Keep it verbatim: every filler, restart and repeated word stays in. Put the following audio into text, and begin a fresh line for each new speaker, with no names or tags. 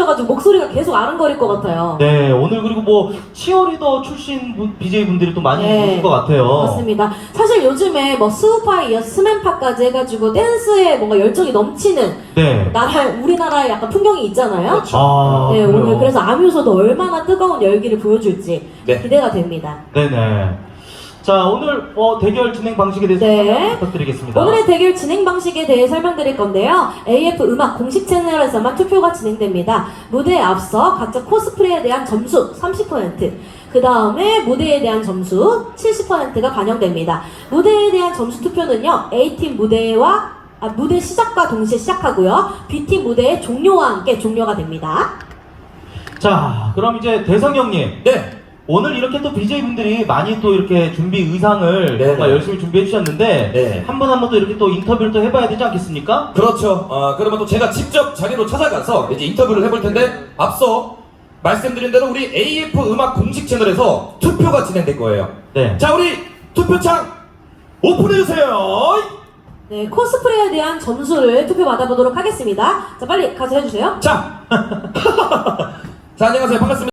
해주셔가지고 목소리가 계속 아른거릴 것 같아요.
네, 오늘 그리고 뭐 치어리더 출신 분, 비제이분들이 또 많이
네,
오신 것 같아요.
맞습니다. 사실 요즘에 뭐 스우파에 이어서 스맨파까지 해가지고 댄스에 뭔가 열정이 넘치는
네.
나라, 우리나라의 약간 풍경이 있잖아요.
그렇죠.
아,
네,
그래요?
오늘 그래서 아뮤소도 얼마나 뜨거운 열기를 보여줄지
네.
기대가 됩니다.
네네. 자, 오늘 어, 대결 진행 방식에 대해서
네.
설명 부탁드리겠습니다.
오늘의 대결 진행 방식에 대해 설명드릴 건데요. 에이에프 음악 공식 채널에서만 투표가 진행됩니다. 무대에 앞서 각자 코스프레에 대한 점수 삼십 퍼센트, 그 다음에 무대에 대한 점수 칠십 퍼센트가 반영됩니다. 무대에 대한 점수 투표는요, A팀 무대와 아, 무대 시작과 동시에 시작하고요, B팀 무대의 종료와 함께 종료가 됩니다.
자, 그럼 이제 대성 형님.
네.
오늘 이렇게 또 비제이분들이 많이 또 이렇게 준비 의상을
네,
정말
네.
열심히 준비해 주셨는데
네.
한 번 한 번 또 이렇게 또 인터뷰를 또 해봐야 되지 않겠습니까?
그렇죠. 어, 그러면 또 제가 직접 자리로 찾아가서 이제 인터뷰를 해볼 텐데, 앞서 말씀드린 대로 우리 에이에프 음악 공식 채널에서 투표가 진행될 거예요.
네.
자, 우리 투표창 오픈해주세요.
네, 코스프레에 대한 점수를 투표 받아보도록 하겠습니다. 자, 빨리 가서 해주세요.
자, 자, 안녕하세요. 반갑습니다.